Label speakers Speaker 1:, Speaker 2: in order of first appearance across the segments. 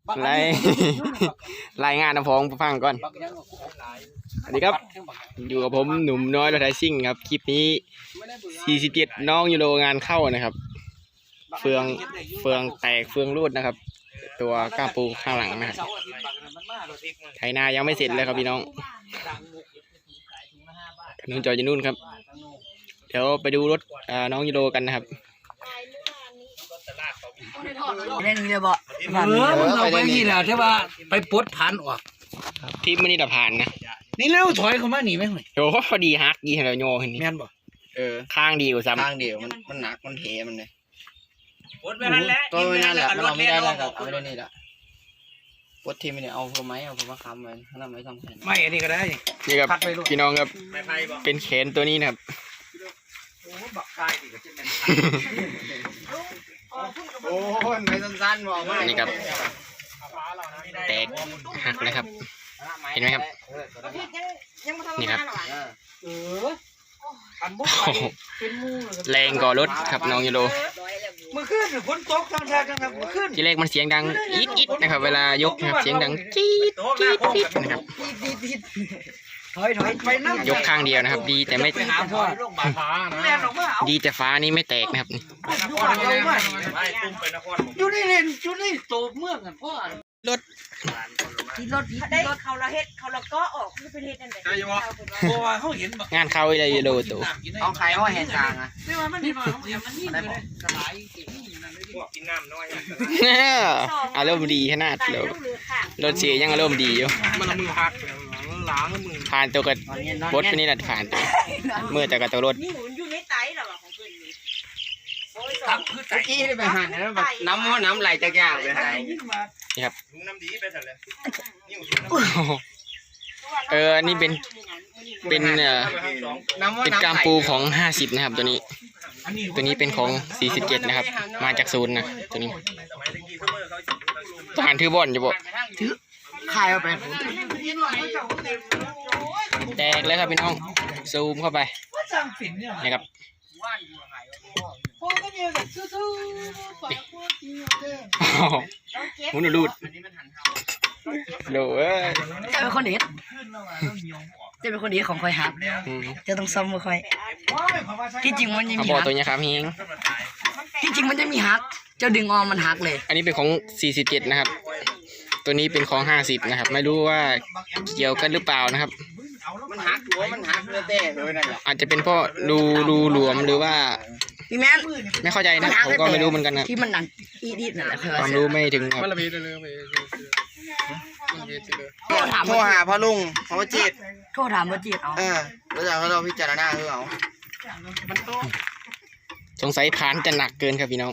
Speaker 1: รายงานนะพ้องฟังก่อนสวัสดีครับอยู่กับผมหนุ่มน้อยรถไถซิ่งครับคลิปนี้47น้องยูโรงานเข้านะครับเฟืองแตกเฟืองรูดนะครับตัวก้ามปูข้างหลังนะครับไถนายังไม่เสร็จเลยครับพี่น้องนุ่นจอยจะนุ่นครับเดี๋ยวไปดูรถน้องยูโรกันนะครับ
Speaker 2: เล่นนี่บ่เราไปนี่แหละใช่ป่ะไปปลดผ่านออก
Speaker 1: ทีมมันนี่ดับผ่านนะ
Speaker 2: นี่แล้วถอยเข้ามาหนีไหมหน่อย
Speaker 1: โอ้พอดีฮักยี่ห้อโย่เห็นนี่
Speaker 2: แม่นบ่
Speaker 1: ข้างดีกว่าซ้ำ
Speaker 3: ข้างเดียวมันหนักมันเทมันเลย
Speaker 4: ปลดไปนั่นแหละ
Speaker 3: ตัวนั่นแหละมันเราไม่ได้แล้วกับเอาไม่ได้นี่แหละปลดทีมันเนี่ยเอาพวกไม้เอาพวกมะขามไว้ถ้าเราไม่ทำแขน
Speaker 2: ไม่อันนี้ก็ได้
Speaker 1: นี่ครับพี่น้องครับเป็นแขนตัวนี้นะครับ
Speaker 3: โอ้ยไม่สั้นๆบอกมา
Speaker 1: นี่ครับแตกหักเลยครับเห็นไหมครับนี่ครับแรงก่อรถครับน้องยูโร
Speaker 2: เมื่อคืนฝนตกทั้งชาติทั้งเมื่อคืน
Speaker 1: ที่แรกมันเสียงดังอิดนะครับเวลายกนะครับเสียงดังจี๊ดนะครับ
Speaker 2: ถอยไปนั่ง
Speaker 1: ยกข้างเดียวนะครับดีแต่ไม่ดีแต่ฟ้านี่ไม่แตกนะครับ
Speaker 2: อยู่นี่เล่นอยู่นี่โตเมืองกันพ่อ
Speaker 1: รถ
Speaker 5: ได้เขาละเฮ็ดเขาละก็ออกคือเป็นเฮ็ดนั่นแหละ
Speaker 2: เพราะว่าเขาเห็น
Speaker 1: งานเข้าอะไรยูโรตัว
Speaker 3: เอาใครเอาแหงกลางอ่ะ
Speaker 2: ไม่ว่ามันนี่ได้บอกสลาย
Speaker 4: กินน้ำน้อย
Speaker 1: อารมณ์ดีขนาดเลยรถเสียยังอารมณ์ดีอยู่
Speaker 4: มันมือหักล้างมือ
Speaker 1: ผ่านตัวกับบดไปนี่แหละผ่านตัวเมื่อแต่กับตัวรถ
Speaker 5: นี่หุ่นอยู่ในไตหรอของเพิ่นนี่
Speaker 3: เมื่อกี้ได้ไปหันแล้วแบบน้ำไหลจากยากเลย
Speaker 1: นี่ครับ
Speaker 4: น้ำดีไปสั่นเลย
Speaker 1: นี่เป็นกามปูของ50นะครับตัวนี้เป็นของ47นะครับมาจากศูนย์นะตัวนี้ทหารถือบอลจะบอก
Speaker 3: ถือขายเอาไป
Speaker 1: แตกเลยครับพี่น้องซูมเข้าไปนี่ครับมุนรูดโด
Speaker 2: จะเป็นคนเด็ดของคอยหักจะต้องซ้ำมาคอยที่จริงมันยังมี
Speaker 1: หักตัวนี้ครับเฮง
Speaker 2: ที่จริงมันจะมีหักเจ้าดึงออมมันหักเลย
Speaker 1: อันนี้เป็นของ47นะครับตัวนี้เป็นของ50นะครับไม่รู้ว่าเกี่ยวกันหรือเปล่านะครับ
Speaker 3: มันหักหัวมันหักเต้เลยนั่นแหละ
Speaker 1: อาจจะเป็นเพราะรูหลวมหรือว่า
Speaker 2: พี่แมน
Speaker 1: ไม่เข้าใจนะผมก็ไม่รู้เหมือนกันนะ
Speaker 2: ที่มันดังอีดนั่นแหละ
Speaker 1: ความรู้ไม่ถึงครับ
Speaker 3: โทรหาพ่อลุงพ่อจิต
Speaker 2: โทรถามพ่อจิตเอา
Speaker 3: แล้วจากเราพิจารณาคือเอา
Speaker 1: สงสัยผ่านจะหนักเกินครับพี่น้อง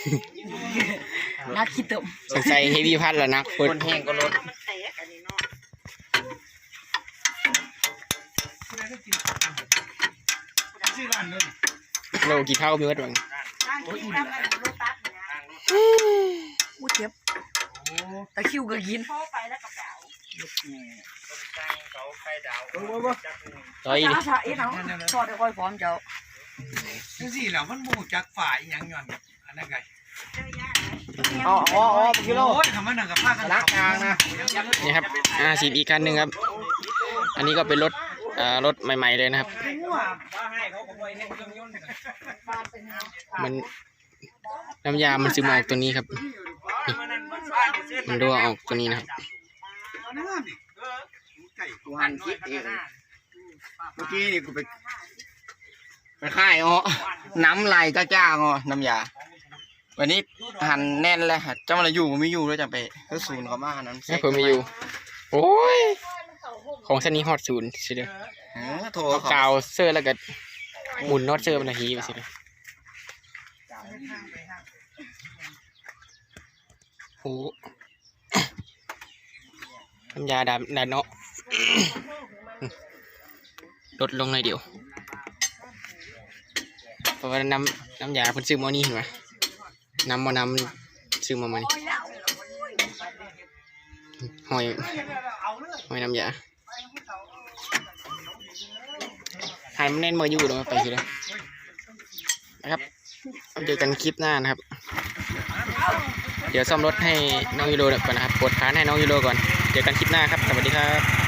Speaker 2: นักคิดตม
Speaker 1: สงสัยเฮฟวี่พัดละนัก
Speaker 3: คนแห้งก็ลด
Speaker 1: โลกี่เท่ามีวัดบ้าง
Speaker 2: อู้เจ็บตะคิวก็กิน
Speaker 1: ต่อยดิ
Speaker 2: ชอบได้ค่อยพร้อมเจ้า
Speaker 4: จังซี่แล้วมันมูจากฝ่ายยังย้อนอันนั้นไง
Speaker 3: อ๋อกิโล
Speaker 4: โอ้ยทำมันหนังกับผ้ากัน
Speaker 3: ลักกลางนะ
Speaker 1: นี่ครับ50อีกคันหนึ่งครับอันนี้ก็เป็นรถใหม่ๆเลยนะครับมันน้ำยามันซึมออกตัวนี้ครับมันรั่วออกตัวนี้นะครับ
Speaker 3: กูหันคิดเองเมื่อกี้นี่กูไปค่ายน้ำไหลจ้าน้ำยาวันนี้หันแน่นเลยเจ้ามันอยู่ไม่อยู่แล้วจะไปก็ศูนย์เขามานั้น
Speaker 1: เพิ่มไม่อยู่โอ้ยของเส้นนี้ฮอตศูนย์สิเด้อ
Speaker 3: โถ
Speaker 1: กาวเสื้อแล้วก็หมุนน็อตเสื้อมันทีไปสิเด้อโอ้น้ำยาดาเนาะลดลงหน่อยเดียวเพราะว่าน้ำยาเพิ่นซื้อมานี่เห็นไหมน้ำซื้อมานี่หอยน้ำยาหายมันแน่นมาอยู่เดี๋ยวไปทีละนะครับเจอกันคลิปหน้านะครับเดี๋ยวซ่อมรถให้น้องยูโรก่อนนะครับปวดขาให้น้องยูโรก่อนเจอกันคลิปหน้าครับสวัสดีครับ